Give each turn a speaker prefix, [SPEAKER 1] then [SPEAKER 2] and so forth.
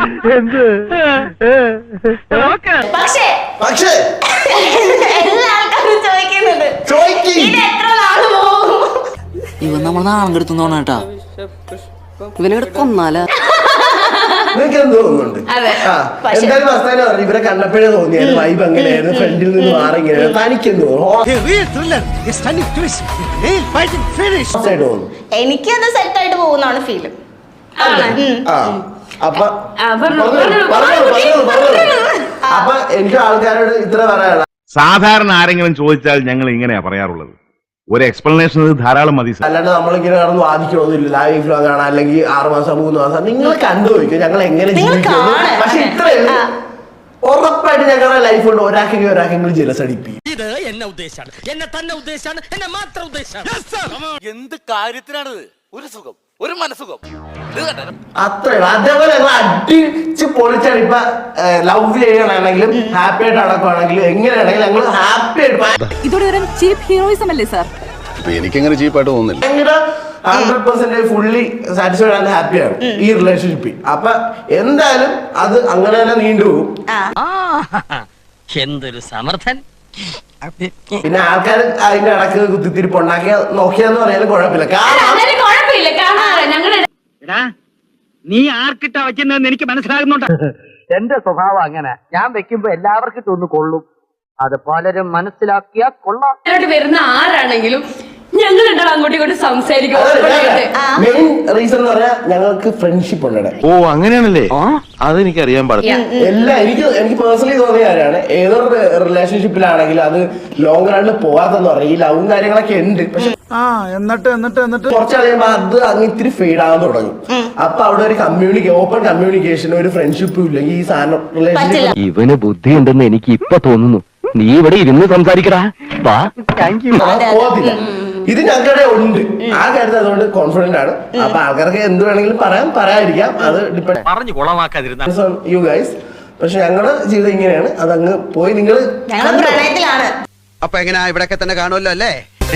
[SPEAKER 1] പക്ഷേ
[SPEAKER 2] എല്ലാ ആൾക്കാരും ചോദിക്കുന്നുണ്ട് ഇത് എത്ര നാള് പോകും.
[SPEAKER 3] ഇവൻ നമ്മൾ നാളെ എടുത്തോണ കേട്ടാ ഇവനെ കൊന്നാല
[SPEAKER 1] നിങ്ങൾക്ക് എന്ത് തോന്നുന്നുണ്ട്? എന്തായാലും അവസാനം പറഞ്ഞു ഇവരെ കണ്ടപ്പോഴേ തോന്നിയത് വൈബ് എങ്ങനെയായിരുന്നു, ഫ്രണ്ടിൽ നിന്ന് മാറി ഇങ്ങനെയായിരുന്നു. തനിക്കെന്ത് തോന്നുന്നു?
[SPEAKER 2] എനിക്കത് സെറ്റ് ആയിട്ട് പോകുന്നതാണ് ഫീല്.
[SPEAKER 1] അപ്പൊ എനിക്ക് ആൾക്കാരോട് ഇത്ര പറയാനുള്ള
[SPEAKER 4] സാധാരണ ആരെങ്കിലും ചോദിച്ചാൽ ഞങ്ങൾ ഇങ്ങനെയാ പറയാറുള്ളത്. ഒരു എക്സ്പ്ലനേഷൻ ധാരാളം മതി.
[SPEAKER 1] അല്ലാണ്ട് നമ്മളിങ്ങനെ കടന്ന് വാദിക്കണമെന്നില്ല. ലൈവ് വ്ലോഗ് കാണാം, അല്ലെങ്കിൽ 6 മാസം 3 മാസം നിങ്ങൾ കണ്ടുപോയിക്കും ഞങ്ങൾ എങ്ങനെ ജീവിക്കുന്നു. പക്ഷെ ഇത്രയല്ല, ഉറപ്പായിട്ട് ഞങ്ങളുടെ ലൈഫ് കൊണ്ട് ഒരാക്കെങ്കിലും ജലസ് അടിപ്പിക്കും.
[SPEAKER 5] ഇത് എന്നെ ഉദ്ദേശാണ്, എന്നെ തന്നെ ഉദ്ദേശാണ്, എന്നെ മാത്രം ഉദ്ദേശാണ്. എന്ത് കാര്യത്തിനാണിത്? ഒരു സുഖം, ഒരു മനസുഖം.
[SPEAKER 1] അത്രയുള്ളൂ. അതേപോലെ ഞങ്ങൾ അടിച്ച് പൊളിച്ചാണ്. ഇപ്പൊ ലവ് ചെയ്യണമെങ്കിലും ഹാപ്പി ആയിട്ട് നടക്കുവാണെങ്കിലും എങ്ങനെയാണെങ്കിലും ഞങ്ങൾ ഹാപ്പി ആയിട്ട്.
[SPEAKER 6] ഇതൊരു ചീപ്പ് ഹീറോയിസം അല്ലേ സാർ?
[SPEAKER 7] എനിക്കങ്ങനെ ചീപ്പായിട്ട് തോന്നുന്നില്ല.
[SPEAKER 1] ഭയങ്കര 100% ഫുള്ളി സാറ്റിസ്ഫൈഡ് ആൻഡ് ഹാപ്പിയാണ് ഈ റിലേഷൻഷിപ്പിൽ. അപ്പൊ എന്തായാലും അത് അങ്ങനെ തന്നെ നീണ്ടുപോകും.
[SPEAKER 5] എന്തൊരു സമർത്ഥൻ.
[SPEAKER 1] പിന്നെ ആൾക്കാർ അതിന്റെ ഇടക്ക് കുത്തിത്തിരിപ്പ് നോക്കിയാന്ന് പറയാനും കുഴപ്പമില്ല.
[SPEAKER 8] നീ ആർക്കിട്ടാ വയ്ക്കുന്നതെന്ന് എനിക്ക് മനസ്സിലാകുന്നുണ്ട്. എന്റെ സ്വഭാവം അങ്ങനെ, ഞാൻ വെക്കുമ്പോ എല്ലാവർക്കും ഒന്ന് കൊള്ളും. അത് പലരും മനസ്സിലാക്കിയാ കൊള്ളാം.
[SPEAKER 6] വരുന്ന ആരാണെങ്കിലും ഞങ്ങൾ അങ്ങോട്ടും ഇങ്ങോട്ടും സംസാരിക്കും.
[SPEAKER 1] മെയിൻ റീസൺ എന്ന് പറഞ്ഞാൽ ഞങ്ങൾക്ക് ഫ്രണ്ട്ഷിപ്പ് ഉണ്ട്.
[SPEAKER 4] ഓ അങ്ങനെയാണല്ലേ, അതെനിക്ക് അറിയാൻ പാടില്ല.
[SPEAKER 1] എനിക്ക് പേഴ്സണലി തോന്നിയ കാര്യമാണ്. ഏതൊരു റിലേഷൻഷിപ്പിലാണെങ്കിലും അത് ലോങ് റണ്ണിൽ പോകാത്തെന്ന് പറയും. ഈ ലവും കാര്യങ്ങളൊക്കെ ഉണ്ട്. പക്ഷെ എന്നിട്ട് കുറച്ച് കഴിയുമ്പോ അത് അങ്ങ് ഇത്തിരി ഫെയ്ഡ് ആകാൻ തുടങ്ങും. അപ്പൊ അവിടെ ഒരു ഓപ്പൺ കമ്മ്യൂണിക്കേഷൻ, ഒരു ഫ്രണ്ട്ഷിപ്പും ഇല്ല. ഈ സാധനം റിലേഷൻഷിപ്പ്
[SPEAKER 8] ഇവന് ബുദ്ധി ഉണ്ടെന്ന് എനിക്ക് ഇപ്പൊ തോന്നുന്നു. നീ ഇവിടെ ഇരുന്ന് സംസാരിക്കടാ.
[SPEAKER 1] പോകത്തില്ല. ഇത് ഞങ്ങളുടെ ഉണ്ട് ആ കാര്യത്തിൽ. അതുകൊണ്ട് കോൺഫിഡന്റ് ആണ്. അപ്പൊ ആൾക്കാർക്ക് എന്ത് വേണമെങ്കിലും പറയാതിരിക്കാം. അത്
[SPEAKER 5] പറഞ്ഞു കൊളമാക്കാതിരുന്ന
[SPEAKER 1] യു ഗൈസ്. പക്ഷെ ഞങ്ങളുടെ ജീവിതം ഇങ്ങനെയാണ്. അതങ്ങ് പോയി നിങ്ങൾ
[SPEAKER 2] പ്രണയത്തിലാണ്.
[SPEAKER 7] അപ്പൊ എങ്ങനെയാ ഇവിടെയൊക്കെ തന്നെ കാണുമല്ലോ അല്ലേ?